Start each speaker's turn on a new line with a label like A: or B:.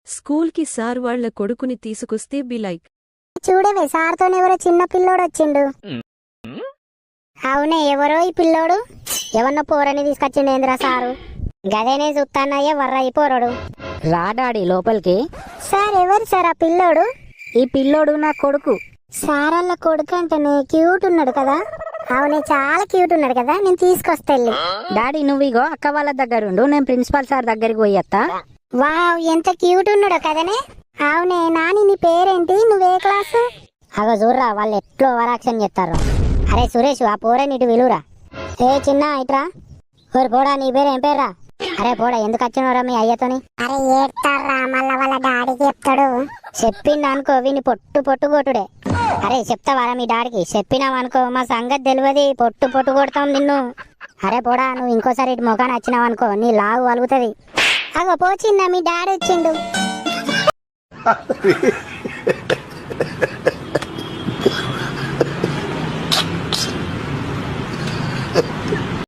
A: School కి sir వాళ్ల కొడుకుని తీసుకొస్తే బి లైక్,
B: చూడవే సార్తోనెవరో చిన్న పిల్లోడు వచ్చిండు. అవునే, ఎవరో ఈ పిల్లోడు? ఎవరినో పోరని తీసుకొచ్చిండేంద్రా సారు. గదేనే చూస్తానయ్యా వర్రయ్య పోరడు.
C: రా డాడీ లోపలికి.
B: సార్ ఎవరు సార్ ఆ పిల్లోడు?
C: ఈ పిల్లోడు నా కొడుకు.
B: సార్ వాళ్ళ కొడుకు అంటేనే క్యూట్ ఉన్నాడు కదా? అవునే, చాలా క్యూట్ ఉన్నాడు కదా, నేను తీసుకొస్తా వెళ్ళి.
C: డాడీ నువ్వు ఇగో అక్క వాళ్ళ దగ్గరుండు, నేను ప్రిన్సిపాల్ సార్ దగ్గరికి పోయేత్తా.
B: వావ్, ఎంత క్యూట్ ఉన్నాడో కదనే. అవునే నాని, నీ పేరేంటి? నువ్వే క్లాసు? అగో చూర్రా వాళ్ళు ఎట్లో ఓవరాక్షన్ చేస్తారు. అరే సురేష్, ఆ పోరని ఇటు విలురా. ఏ చిన్న ఇట్రా. ఓరు పోడా, నీ పేరు ఏం పేర్రా? అరే పోడా, ఎందుకు వచ్చినవరా మీ అయ్యతోని? అరే ఏడ్తారా, మళ్ళా వాళ్ళ డాడీకి చెప్తాడు. చెప్పింది అనుకో విని పొట్టు పొట్టు కొట్టుడే. అరే చెప్తావారా మీ డాడీకి? చెప్పినావనుకో మా సంగతి తెలియదు, పొట్టు పొట్టు కొడతాం నిన్ను. అరే పోడా, నువ్వు ఇంకోసారి ఇటు మొఖాన్ని వచ్చినావనుకో నీ లాగు వలుగుతుంది. అగో పోచిందా, మీ డాడీ వచ్చిండు.